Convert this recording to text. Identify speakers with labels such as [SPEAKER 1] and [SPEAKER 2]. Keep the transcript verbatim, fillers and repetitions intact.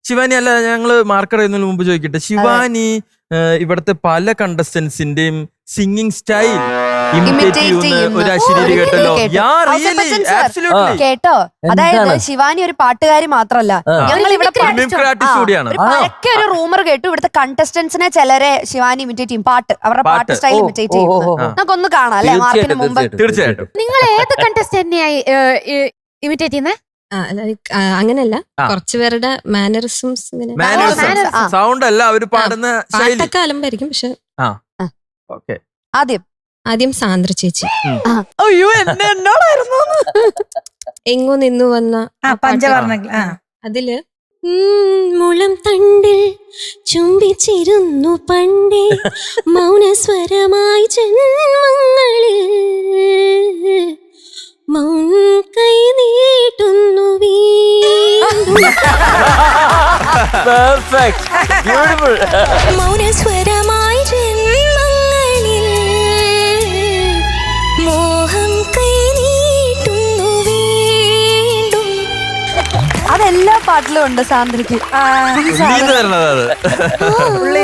[SPEAKER 1] ശിവാനി അല്ല, ഞങ്ങള് മാർക്ക് അറിയുന്നതിന് മുമ്പ് ചോദിക്കട്ടെ, ശിവാനി ഇവിടുത്തെ പല കണ്ടസ്റ്റൻസിന്റെയും സിംഗിങ് സ്റ്റൈൽ ഇമിറ്റേറ്റ് ചെയ്യുന്ന ഒരു അശരീരി കേട്ടല്ലോ.
[SPEAKER 2] കേട്ടോ, അതായത് ശിവാനി ഒരു പാട്ടുകാരി മാത്രല്ല, ഞങ്ങൾ ഇവിടെ പരക്കെ ഒരു റൂമർ കേട്ടു, ഇവിടുത്തെ കണ്ടസ്റ്റൻസിനെ ചിലരെ ശിവാനി ഇമിറ്റേറ്റ് ചെയ്യും, പാട്ട് അവരുടെ പാട്ട് സ്റ്റൈൽ ഇമിറ്റേറ്റ് ചെയ്യും. നമുക്കൊന്ന് കാണാം അല്ലെ മാർക്കിന് മുമ്പ്.
[SPEAKER 1] തീർച്ചയായിട്ടും.
[SPEAKER 3] നിങ്ങൾ ഏത് കണ്ടസ്റ്റന്റിനെയായി ഇമിറ്റേറ്റ് ചെയ്യുന്നത്?
[SPEAKER 4] അങ്ങനെയല്ല, കുറച്ചുപേരുടെ മാനറിസംസ്
[SPEAKER 1] സൗണ്ട് അല്ല അവര് പാടുന്ന
[SPEAKER 4] പാട്ടൊക്കെ അലമ്പായിരിക്കും. പക്ഷെ
[SPEAKER 2] ആദ്യം
[SPEAKER 4] ആദ്യം സാന്ദ്ര ചേച്ചി
[SPEAKER 2] അയ്യോ എന്നോടായിരുന്നു
[SPEAKER 4] എങ്ങോ നിന്നു വന്ന
[SPEAKER 5] പഞ്ചവർണ്ണങ്ങൾ
[SPEAKER 4] അതില് മുളം തണ്ടിൽ ചുംബിച്ചിരുന്നു പണ്ടേ മൗനസ്വരമായി ജന്മങ്ങളിൽ മൗൻ കൈ നീട്ടുന്നു മൗനസ്വരമായി ജന്മങ്ങളിൽ മോഹം കൈ നീട്ടുന്നു വീണ്ടും.
[SPEAKER 2] അതെല്ലാ പാട്ടിലും ഉണ്ട് സാന്ദ്രയ്ക്ക്.